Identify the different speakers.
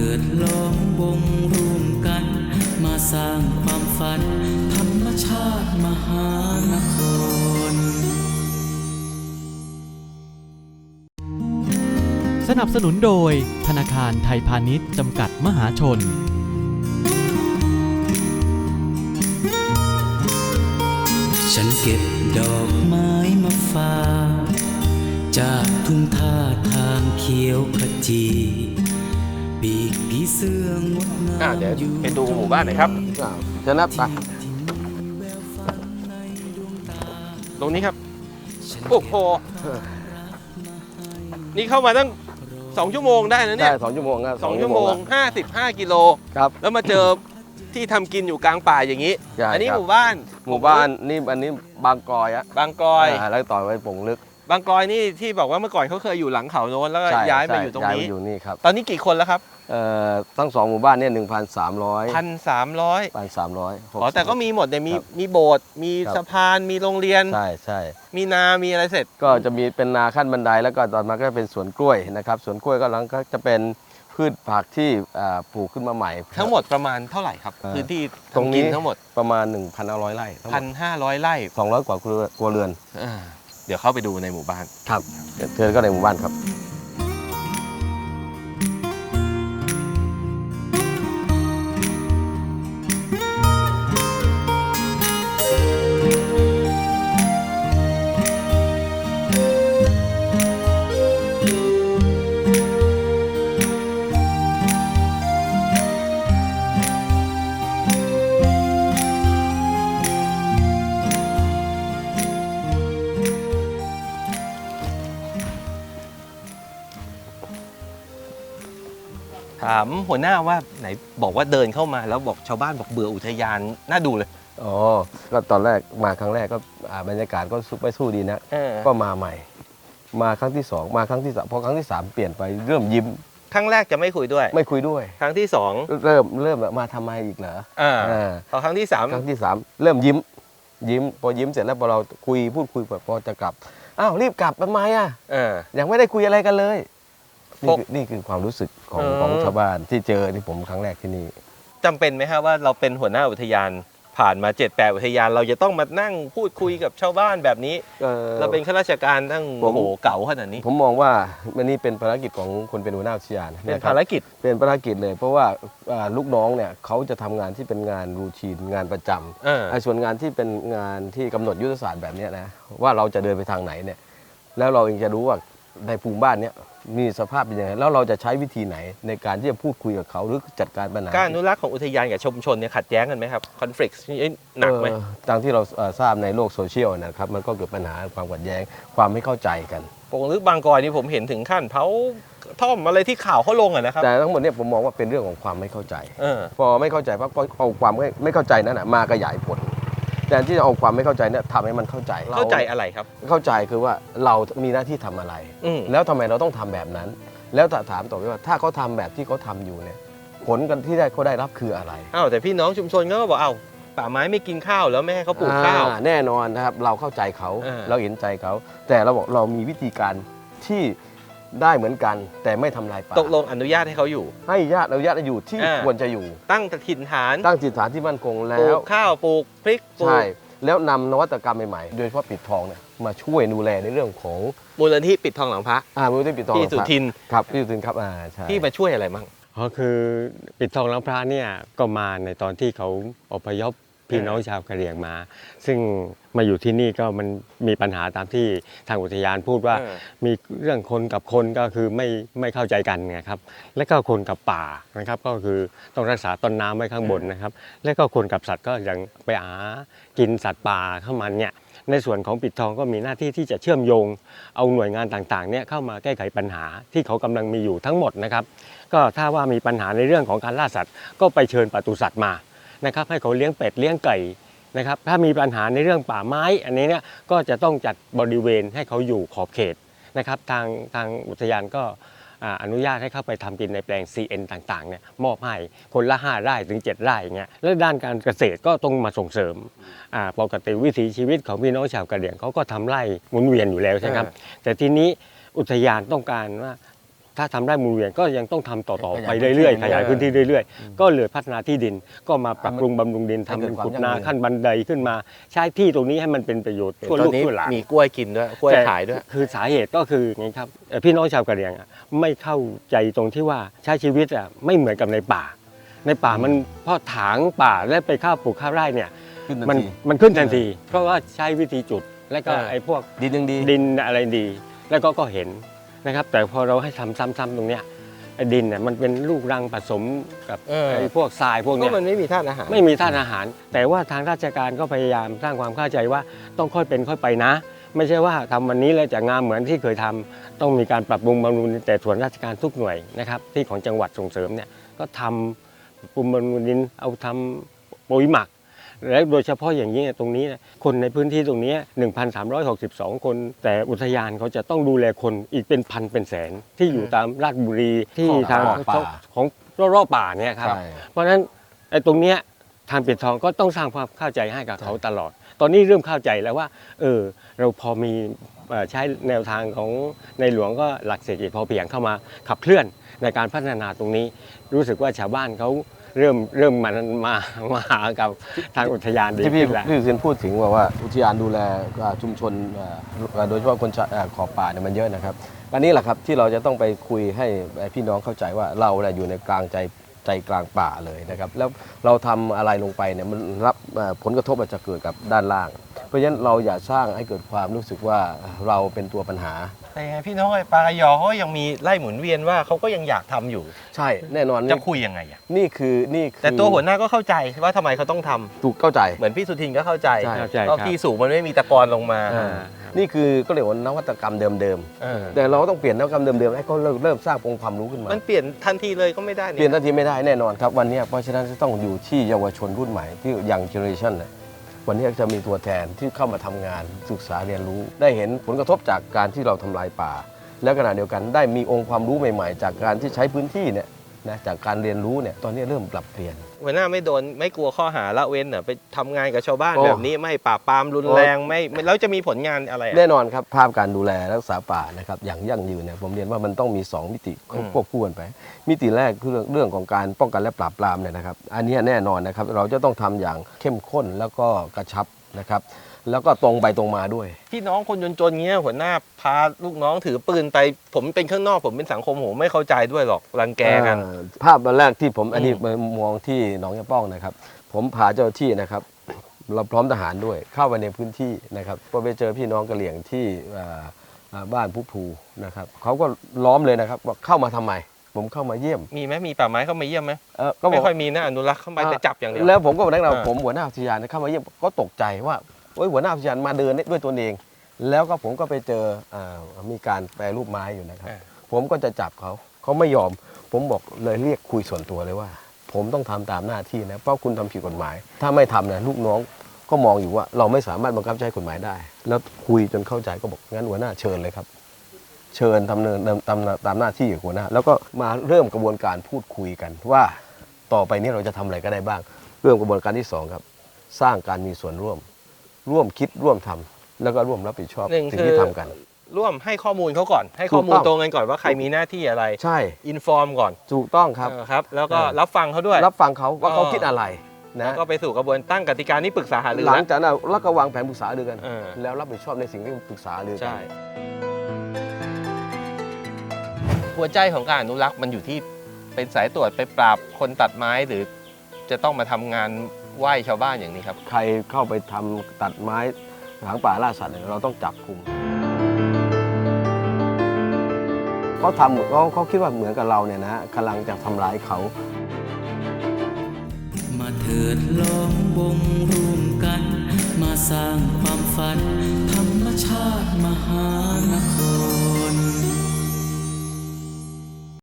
Speaker 1: ดล้อมวงรวมกันมาสร้างความฝันธรรมชาติมหานคร
Speaker 2: สนับสนุนโดยธนาคารไทยพาณิชย์จำกัดมหาชน
Speaker 1: ฉันเก็บดอกไม้มาฝากจากทุ่งท่าทางเขียวขจีปีกผีเสื้องดงาม
Speaker 3: เดี๋ยวไปดูหมู่บ้านหน่อยครับจะนับไปตรงนี้ครับโอ้โหนี่เข้ามาตั้ง2 ชั่วโมงได้นะเนี่ย
Speaker 4: ใช่2 ชั่วโมงครับ
Speaker 3: 2 ชั่วโมง55 กิโล
Speaker 4: ครับ
Speaker 3: แล้วมาเจอที่ทำกินอยู่กลางป่าอย่างนี้
Speaker 4: ใช่
Speaker 3: อันนี้
Speaker 4: ครับ
Speaker 3: หมู่บ้าน
Speaker 4: นี่อันนี้บางกอยอะ
Speaker 3: บางกอย
Speaker 4: แล้วต่อไปป่งลึก
Speaker 3: บางกอยนี่ที่บอกว่าเมื่อก่อนเขาเคยอยู่หลังเขาโน้นแล้วก็
Speaker 4: ใช่
Speaker 3: ย้ายมา
Speaker 4: ใช่
Speaker 3: อยู่ตรง
Speaker 4: ย้าย
Speaker 3: นี้
Speaker 4: มาอยู่นี่ครับ
Speaker 3: ตอนนี้กี่คนแล้วครับ
Speaker 4: ทั้ง2 หมู่บ้านเนี่ย1,300
Speaker 3: 1,300
Speaker 4: 1,300
Speaker 3: อ๋อแต่ก็มีหมดเนี่ยมี
Speaker 4: ครับ
Speaker 3: มีโบสถ์มี
Speaker 4: ครับ
Speaker 3: สะพานมีโรงเรียน
Speaker 4: ใช่ใช่
Speaker 3: มีนามีอะไรเสร็จ
Speaker 4: ก็จะมีเป็นนาขั้นบันไดแล้วก็ตอนมาก็เป็นสวนกล้วยนะครับสวนกล้วยก็หลังก็จะเป็นพืชผักที่ปลูกขึ้นมาใหม่
Speaker 3: ทั้งหมดประมาณเท่าไหร่ครับ พื้นที่
Speaker 4: ตรง
Speaker 3: ทำ
Speaker 4: นี้
Speaker 3: กินทั้งหมด
Speaker 4: ประมาณ 1,500 ไร่ทั้งหมด
Speaker 3: 1,500 ไร่
Speaker 4: 200 กว่าครัวเรือน
Speaker 3: เดี๋ยวเข้าไปดูในหมู่บ้าน
Speaker 4: ครับเชิญก็ในหมู่บ้านครับ
Speaker 3: ถามหัวหน้าว่าไหนบอกว่าเดินเข้ามาแล้วบอกชาวบ้านบอกเบื่ออุทยานน่าดูเลย
Speaker 4: อ๋อ ก็ตอนแรกมาครั้งแรกก็บรรยากาศก็ไม่สู้ดีนะ ก็มาใหม่ มาครั้งที่ 2 มาครั้งที่ 3พอครั้งที่ 3 เปลี่ยนไปเริ่มยิ้ม
Speaker 3: ครั้งแรกจะไม่คุยด้วย
Speaker 4: ไม่คุยด้วย
Speaker 3: ครั้งที่ 2
Speaker 4: เริ่มมาทำไมอีกเหรอ
Speaker 3: พอครั้งที่
Speaker 4: ครั้งที่ 3 เริ่มยิ้มพอยิ้มเสร็จแล้วพอเราพูดคุยพอจะกลับอ้าวรีบกลับทำไมอ่ะ ยังไม่ได้คุยอะไรกันเลยนี่คือความรู้สึกของชาวบ้านที่เจอที่ผมครั้งแรกที่นี่
Speaker 3: 3จำเป็นไหมครับว่าเราเป็นหัวหน้าอุทยานผ่านมา7-8อุทยานเราจะต้องมานั่งพูดคุยกับชาวบ้านแบบนี้เราเป็นข้าราชการตั้งโอ้โหเก่าขนาดนี้
Speaker 4: ผมมองว่ามันนี่เป็นภารกิจของคนเป็นหัวหน้าอุทยาน
Speaker 3: เป็นภารกิจ
Speaker 4: เป็นภารกิจเลย เพราะว่าลูกน้องเนี่ยเขาจะทำงานที่เป็นงานรูทีนงานประจำไอ้ส่วนงานที่เป็นงานที่กำหนดยุทธศาสตร์แบบนี้นะว่าเราจะเดินไปทางไหนเนี่ยแล้วเราเองจะรู้ว่าในภูมิบ้านเนี่ยมีสภาพเป็นยังไงแล้วเราจะใช้วิธีไหนในการที่จะพูดคุยกับเขาหรือจัดการปัญหา
Speaker 3: การอนุรักษ์ของอุทยานกับชุมชนเนี่ยขัดแย้งกันไหมครับคอน FLICT หนักไหม
Speaker 4: ตามที่เราทราบในโลกโซเชียลนะครับมันก็เกิดปัญหาความขัดแย้งความไม่เข้าใจกัน
Speaker 3: ปงลึกบางกอยนี่ผมเห็นถึงขั้นเผาท่อมอะไรที่ข่าวเขาลงอะนะครับ
Speaker 4: แต่ทั้งหมดเนี่ยผมมองว่าเป็นเรื่องของความไม่เข้าใจ
Speaker 3: เออ
Speaker 4: พอไม่เข้าใจปั๊บก็เอาความไม่เข้าใจนั้นนะมาขยายผลแต่ที่จะเอาความไม่เข้าใจเนี่ยทำให้มันเข้าใจ
Speaker 3: เข้าใจอะไรครับ
Speaker 4: เข้าใจคือว่าเรามีหน้าที่ทำอะไร แล้วทำไมเราต้องทำแบบนั้น แล้วถามต่อไปว่าถ้าเขาทำแบบที่เขาทำอยู่เนี่ยผลกันที่เขาได้รับคืออะไร
Speaker 3: อ้าวแต่พี่น้องชุมชนก็บอกอ้าวป่าไม้ไม่กินข้าวแล้วไม่ให้เขาปลูกข้าว
Speaker 4: แน่นอนนะครับเราเข้าใจเขา เราเห็นใจเขาแต่เราบอกเรามีวิธีการที่ได้เหมือนกัน แต่ไม่ทำลายป่า
Speaker 3: ตกลงอนุญาตให้เขาอยู่
Speaker 4: ให้ญาติเราญาติอยู่ที่ควรจะอยู่
Speaker 3: ตั้งถิ่นฐาน
Speaker 4: ตั้งจิตฐานที่มั่นคง
Speaker 3: ป
Speaker 4: แล้
Speaker 3: ลู
Speaker 4: ว
Speaker 3: กข้าวปลูกพริกปลู
Speaker 4: ใช่
Speaker 3: ก
Speaker 4: แล้วนำนวัตกรรมใหม่ๆ โดยเฉพาะปิดทองเนี่ยมาช่วยดูแลในเรื่องของ
Speaker 3: มูลนิธิปิดทองหลังพระ
Speaker 4: มูลนิธิปิดทอง
Speaker 3: พี่สุทิน
Speaker 4: ครับพี่สุทินครับใช่
Speaker 3: ที่มาช่วยอะไรมั่ง
Speaker 5: ก็คือปิดทองหลังพระเนี่ยก็มาในตอนที่เขาอพยพพี่น้องชาวกะเหรี่ยงมา ซึ่งมาอยู่ที่นี่ก็มันมีปัญหาตามที่ทางอุทยานพูดว่ามีเรื่องคนกับคนก็คือไม่เข้าใจกันไงครับและก็คนกับป่านะครับก็คือต้องรักษาต้นน้ำไว้ข้างบนนะครับและก็คนกับสัตว์ก็ยังไปหากินสัตว์ป่าเข้ามาเนี่ยในส่วนของปิดทองก็มีหน้าที่ที่จะเชื่อมโยงเอาหน่วยงานต่างๆเนี่ยเข้ามาแก้ไขปัญหาที่เขากำลังมีอยู่ทั้งหมดนะครับก็ถ้าว่ามีปัญหาในเรื่องของการล่าสัตว์ก็ไปเชิญปศุสัตว์มานะครับให้เขาเลี้ยงเป็ดเลี้ยงไก่นะครับถ้ามีปัญหาในเรื่องป่าไม้อันนี้เนี่ยก็จะต้องจัดบริเวณให้เขาอยู่ขอบเขตนะครับทางอุทยานก็อนุญาตให้เข้าไปทำกินในแปลง CN ต่างๆเนี่ยมอบให้คนละ5 ไร่ถึง 7 ไร่อย่างเงี้ยแล้วด้านการเกษตรก็ต้องมาส่งเสริมปกติวิถีชีวิตของพี่น้องชาวกะเหรี่ยงเขาก็ทำไร่หมุนเวียนอยู่แล้วใช่ไหมครับแต่ทีนี้อุทยานต้องการว่าถ้าทำได้หมุนเวียนก็ยังต้องทำต่อๆไป
Speaker 4: ขยายพื้นที่
Speaker 5: เรื่อยๆขยายพื้นที่เรื่อยๆก็เลยพัฒนาที่ดินก็มาปรับปรุงบำรุงดิน
Speaker 4: ให้
Speaker 5: ทำ
Speaker 4: เกิ
Speaker 5: เป็
Speaker 4: ด
Speaker 5: น
Speaker 4: ความ
Speaker 5: ขุด
Speaker 4: ยั่ง
Speaker 5: นา
Speaker 4: ยืน
Speaker 5: ขั้นบันไดขึ้นมาใช้ที่ตรงนี้ให้มันเป็นประโยชน์ทั่ว
Speaker 3: ตอ
Speaker 5: ลู
Speaker 3: น
Speaker 5: ก
Speaker 3: นี้
Speaker 5: ทั่วหลาน
Speaker 3: มีกล้วยกินด้วยกล้วยขายด้วย
Speaker 5: คือสาเหตุก็คืออย่างนี้ครับพี่น้องชาวกะเหรี่ยงไม่เข้าใจตรงที่ว่าใช้ชีวิตไม่เหมือนกับในป่ามันพอถางป่าแล้วไปข้าวปลูกข้าวไร่เนี่ย
Speaker 4: ขึ้นทัน
Speaker 5: มัน
Speaker 4: ที
Speaker 5: มันขึ้นทันทีเพราะว่าใช้วิธีจุดแล้วก็
Speaker 3: เออ
Speaker 5: ไอ้พวก
Speaker 4: ดินยังดี
Speaker 5: ดินอะไรดี แล้วก็เห็นนะครับ แต่พอเราให้ทำซ้ำๆตรงเนี้ยไอ้ดินเนี่ยมันเป็นลูกรังผสมกับไอ้พวกทรายพวก
Speaker 3: ก็
Speaker 5: เนี้ย
Speaker 3: มันไม่มีธาตุอาหาร
Speaker 5: ไม่มีธาตุอาหาร แต่ว่าทางราชการก็พยายามสร้างความเข้าใจว่าต้องค่อยเป็นค่อยไปนะ ไม่ใช่ว่าทำวันนี้แล้วจะงามเหมือนที่เคยทำต้องมีการปรับปรุงบำรุงดินแต่ส่วนราชการทุกหน่วยนะครับที่ของจังหวัดส่งเสริมเนี่ยก็ทำปรับปรุงบำรุงดินเอาทำปุ๋ยหมัก และโดยเฉพาะอย่างนี้ตรงนี้คนในพื้นที่ตรงนี้ 1,362 คน แต่อุทยานเขาจะต้องดูแลคนอีกเป็นพันเป็นแสนที่อยู่ตามราชบุรีที่ทาง
Speaker 4: ป่า
Speaker 5: ของรอบๆป่าเนี่ยครับ
Speaker 4: ใช่
Speaker 5: เพราะฉะนั้นไอ้ตรงเนี้ยทางปิดทองก็ต้องสร้างความเข้าใจให้กับเขาตลอด ตอนนี้เริ่มเข้าใจแล้วว่าเราพอมีใช้แนวทางของในหลวงก็หลักเศรษฐกิจพอเพียงเข้ามาขับเคลื่อนในการพัฒนาตรงนี้ รู้สึกว่าชาวบ้านเขาเริ่มมาหากับทางอุทยานดี
Speaker 4: ที่พี่
Speaker 5: ขึ้นแล้ว
Speaker 4: สุทินพูดถึงว่าอุทยานดูแลชุมชนโดยเฉพาะคนขอบป่าเนี่ยมันเยอะนะครับอันนี้แหละครับที่เราจะต้องไปคุยให้พี่น้องเข้าใจว่าเราเนี่ยอยู่ในกลางใจกลางป่าเลยนะครับแล้วเราทำอะไรลงไปเนี่ยมันรับผลกระทบอาจจะเกิดกับด้านล่าง เพราะฉะนั้นเราอย่าสร้างให้เกิดความรู้สึกว่าเราเป็นตัวปัญหา
Speaker 3: แต่ยังไงพี่น้องไอ้ปลากระยอเขายังมีไล่หมุนเวียนว่าเขาก็ยังอยากทำอยู่
Speaker 4: ใช่แน่นอน
Speaker 3: จะคุยยังไงอะ
Speaker 4: นี่คือ
Speaker 3: แต่ตัวหัวหน้าก็เข้าใจว่าทำไมเขาต้องทำ
Speaker 4: ถูกเข้าใจ
Speaker 3: เหมือนพี่สุทินก็เข้าใจ
Speaker 4: ใช่
Speaker 5: เข้าใจ
Speaker 3: เพราะ
Speaker 5: ครับ
Speaker 3: ที่สูงมันไม่มีตะกอนลงมา
Speaker 4: นี่คือก็เรียกว่านวัตกรรมเดิม
Speaker 3: เออ
Speaker 4: ๆแต่เราก็ต้องเปลี่ยนนวัตกรรมเดิมๆให้เขาเริ่มสร้างองค์ความรู้ขึ้นมา
Speaker 3: มันเปลี่ยนทันทีเลยก็ไม่ได้
Speaker 4: เปลี่ยนทันทีไม่ได้แน่นอนครับวันนี้เพราะฉะนั้นจะต้องอยู่ที่เยาวชนรุ่นใหม่ที่ยังเจเนอเรชันนะวันนี้จะมีตัวแทนที่เข้ามาทำงานศึกษาเรียนรู้ ได้เห็นผลกระทบจากการที่เราทำลายป่า และขณะเดียวกันได้มีองค์ความรู้ใหม่ๆ จากการที่ใช้พื้นที่เนี่ยนะจากการเรียนรู้เนี่ยตอนนี้เริ่มปรับเปลี่ยน
Speaker 3: หัวหน้าไม่โดนไม่กลัวข้อหาละเว้นเหรอไปทำงานกับชาวบ้าน
Speaker 4: โอ้
Speaker 3: แบบนี้ไม่ปราบปรามรุนแรงไม่แล้วจะมีผลงานอะไรอะ
Speaker 4: แน่นอนครับภาพการดูแลรักษาป่านะครับอย่างยั่งยืนเนี่ยผมเรียนว่ามันต้องมี 2 มิติควบคู่กันไป มิติแรกคือเรื่องของการป้องกันและปราบปรามเนี่ยนะครับอันนี้แน่นอนนะครับเราจะต้องทำอย่างเข้มข้นแล้วก็กระชับนะครับแล้วก็ตรงไปตรงมาด้วย
Speaker 3: พี่น้องคนจนๆเงี้ยหัวหน้าพาลูกน้องถือปืนไปผมเป็นข้างนอกผมเป็นสังคมผมไม่เข้าใจด้วยหรอกรังแกกัน
Speaker 4: ภาพแรกที่ผมอันนี้มองที่หนองยะป้องนะครับผมพาเจ้าหน้าที่นะครับเราพร้อมทหารด้วยเข้าไปในพื้นที่นะครับพอไปเจอพี่น้องกะเหรี่ยงที่บ้านผู้ภูนะครับเขาก็ล้อมเลยนะครับว่าเข้ามาทำไมผมเข้ามาเยี่ยม
Speaker 3: มีไหมมีป่าไม้เข้ามาเยี่ยมไหม
Speaker 4: ก็บ
Speaker 3: ไม่
Speaker 4: อก
Speaker 3: ค่อยมีนะอนุรักษ์เข้าไปแต่จับอย่างเดียว
Speaker 4: แล้วผมก็บอกนักเรา
Speaker 3: อ่า
Speaker 4: ผมหัวหน้าอุทยานเข้ามาเยี่ยมก็ตกใจว่าโอ้ยหัวหน้าอุทยานมาเดินด้วยตัวเอง แล้วก็ผมก็ไปเจอมีการแปรรูปไม้อยู่นะครับ ผมก็จะจับเขาไม่ยอม ผมบอกเลยเรียกคุยส่วนตัวเลยว่า ผมต้องทำตามหน้าที่นะเพราะคุณทำผิดกฎหมาย ถ้าไม่ทำนะลูกน้องก็มองอยู่ว่าเราไม่สามารถบังคับใช้กฎหมายได้ แล้วคุยจนเข้าใจก็บอกงั้นหัวหน้าเชิญเลยครับ เชิญทำเนินตามหน้าที่ของหัวหน้าแล้วก็มาเริ่มกระบวนการพูดคุยกันว่าต่อไปนี้เราจะทำอะไรก็ได้บ้าง เริ่มกระบวนการที่สองครับสร้างการมีส่วนร่วมคิดร่วมทำแล้วก็ร่วมรับผิดชอบ
Speaker 3: หนึ่ง
Speaker 4: สิ่ง
Speaker 3: คือ
Speaker 4: ที่ทำกัน
Speaker 3: ร่วมให้ข้อมูลเขาก่อน ให้ข้อมูล
Speaker 4: ถูกต้อง
Speaker 3: ตรงกันก่อนว่าใครมีหน้าที่อะไร
Speaker 4: ใช่
Speaker 3: อินฟอร์มก่อน
Speaker 4: ถูกต้องครับ
Speaker 3: ครับ แล้วก็รับฟังเขาด้วย
Speaker 4: รับฟังเขาว่าเขาคิดอะไร
Speaker 3: แล้
Speaker 4: นะ
Speaker 3: วก็ไปสู่กระบวนตั้งกติกานี้ปรึกษาหารือ
Speaker 4: หลัง
Speaker 3: นะ
Speaker 4: จากนั้นแล้วก็วางแผนปรึกษาหารือกัน
Speaker 3: เออ
Speaker 4: แล้วรับผิดชอบในสิ่งที่ปรึกษาหารือกั
Speaker 3: ใช่หัวใจของการอนุรักษ์มันอยู่ที่เป็นสายตรวจไปปราบคนตัดไม้หรือจะต้องมาทำงานไหว้ชาวบ้านอย่างนี้ครับ
Speaker 4: ใครเข้าไปทำตัดไม้ถางป่าล่าสัตว์เนี่ยเราต้องจับกุมเขาคิดว่าเหมือนกับเราเนี่ยนะกำลังจะทำร้ายเขา
Speaker 1: มาเถิดลองวงร่วมกัน มาสร้างความฝัน ธรรมชาติมหานคร